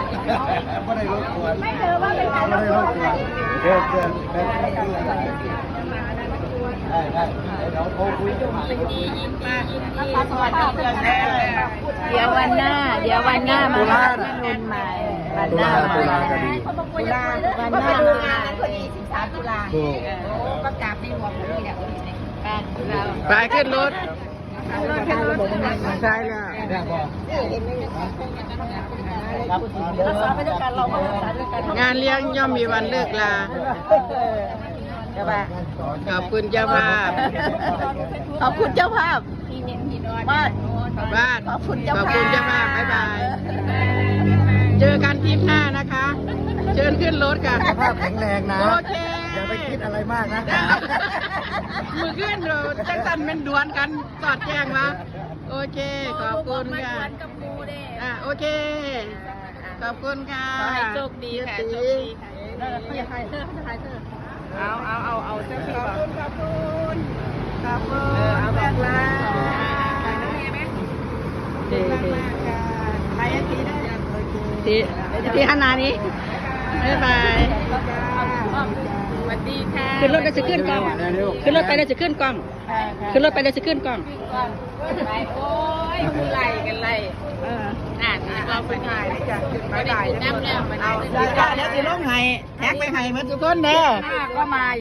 ไม่ได้รบกวนไม่ถือว่าเป็นการรบกวนเดี๋ยวได้เราโทรคุยกันมาสวัสดีเดี๋ยววันหน้ามารุ่นใหม่วันหน้ามาตุลาวันหน้ามาพอดี13 ตุลาประกาศในหลวงนี่แหละไปขึ้นรถใช่แล้วเนี่ยบอกรักษาไปด้วยกันเราก็รักษาด้วยกันงานเลี้ยงย่อมมีวันเลิกลาใช่ป่ะขอบคุณเจ้าภาพขอบคุณเจ้าภาพบ้านบ้านขอบคุณเจ้าขอบภาพคุณเจ้าภาพบ๊ายบาย เจอกันทริปหน้านะคะ เชิญขึ้นรถค่ะสุขภาพแข็งแรงนะโอเคอย่าไปคิดอะไรมากนะมือขึ้นเราจังสันเป็นดวนกันสอดแจ้งมาโอเค ขอบคุณค่ะโอเค ขอบคุณค่ะขอให้โชคดีค่ะโชคดีค่ะเอาเสื้อสีขอบคุณเอาแบบลาไปทีได้ที่ฮันนานี้บ๊ายบายสวัสดีค่ะขึ้นรถแล้วจะขึ้นกล้องขึ้นรถไปแล้วจะขึ้นกล้องขึ้นรถไปแล้วจะขึ้นกล้องไปโอ้ยไล่กันไล่เราไปถ่ายจ้ะไปถ่ายน้ำแล้วเอาได้แล้วสิลงไห้แท็กไปไห้มาทุกคนเด้อก็มา